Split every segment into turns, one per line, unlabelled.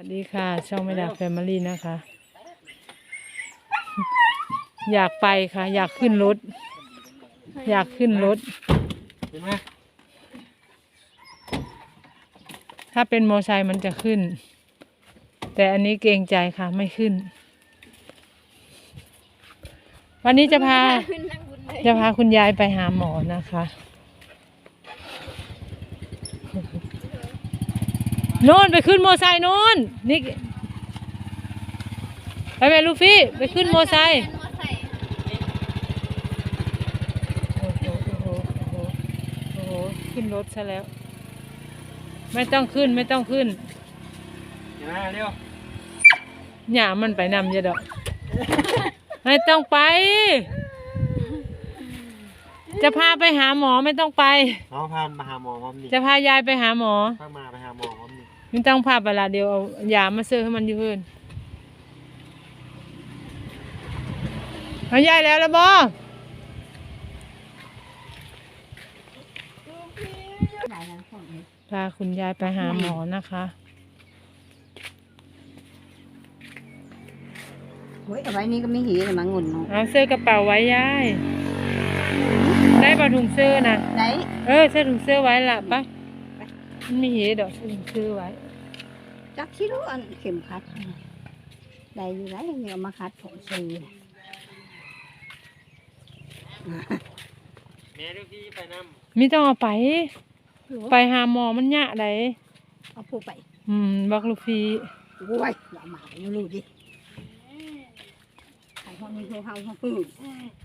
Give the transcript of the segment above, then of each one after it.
วัสดีค่ะช่องไม่ดาแฟมิลี่นะคะ อยากไปค่ะ อยากขึ้นรถ อยากขึ้นรถถ้าเป็นมอไซค์มันจะขึ้น แต่อันนี้เกรงใจค่ะไม่ขึ้น วันนี้จะพาคุณยายไปหาหมอนะคะโน่นไปขึ้นมอไซค์โน่นนี่ไปไหมลูฟี่ไปขึ้นมอไซค์โอ้โหขึ้นรถซะแล้วไม่ต้องขึ้นไม่ต้องขึ้นเร็วหย่ามันไปนำเยอะดอกไม่ต้องไปจะพาไปหาหมอไม่ต้องไป
น้องพามาหาหมอมั้งนี่
จะพายายไปหาหมอ
พามาไปหาหมอมั้งนี่
ไม่ต้องพาไปละเดียวเอายามาซื้อให้มันอยู่เพื่อนเอายายแล้วละบ่พาคุณยายไปหาหมอนะคะ
เฮ้ยเอาไว้นี่ก็ไม่หีเลยมั้งงุ่นเนาะ
เอาเสื้อกระเป๋าไว้ยายได้ปะถุงเสื้อนะ
ได้
เสื้อถุงเสื้อไว้ละปะมันมีเหตุดอกเสื้อถุงเสื้อไว้
จักที่รู้อันเข็มขัดได้อยู่ไหนเนี่ยมาขัดผมซื้อ
แม่ลูกพี่ไปนำ
ไม่ต้องเอาไปหาหมอมันยะได
เอาผู้ไป
บักลูกฟี
โอ้ยอย่ามาไม่รู้ดิใครคนนี้เขาเขาปื้ม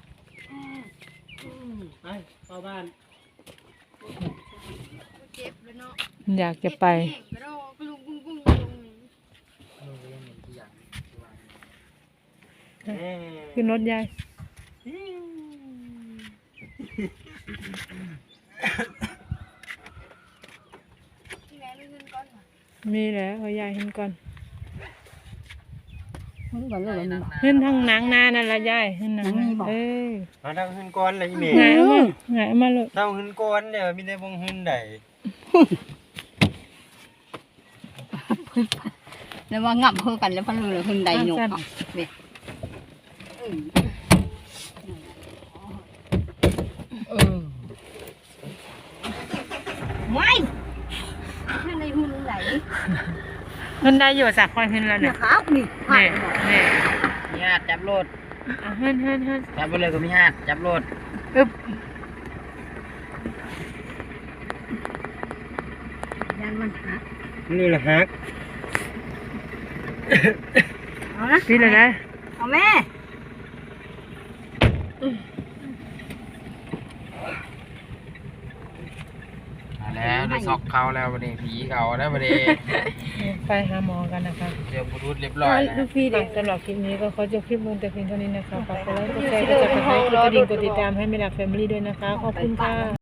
ไปเข้าบ้าน
อยากจะไปขึ้นรถยายมีแล้วเอายายขึ้นก่อนขึ้นทางหนังนานั่นละยายขึ้นหนัง
มาทางขึ้นก้อนเลยแม่
ไงมาเลย
ทางขึ้นก้อนเดี๋ยวมีแต่วงขึ้นใด
แล้วว่างับเพื่อกันแล้วพันเลยขึ้นใดหยกไม่ขึ้นในหุ่นไหน
ขึ้นได้อยู่สักคนขึ้นแล้วเนี่ย
ครับนี่
มีหาดจับรถ
ขึ้น
จับไปเลยก็มีหาดจับรถ
ยันมันหัก
นี่แหละฮัก
เอานะ
พี่เลยนะ
เอาแม่
แล้วได้ซอกเขาแล้ววันนี้ผีเขาแล้ววันนี้
ไปหาหมอกันนะคะ
เดี๋ยวบรูดเรียบร้อย
ลูกพี่เด็กสำหรับคลิปนี้ก็ขอจบคลิปลงแต่เพียงเท่านี้นะคะฝากกดไลค์กดแชร์กดติดตามให้ไม่ดับแฟมิลี่ด้วยนะคะขอบคุณค่ะ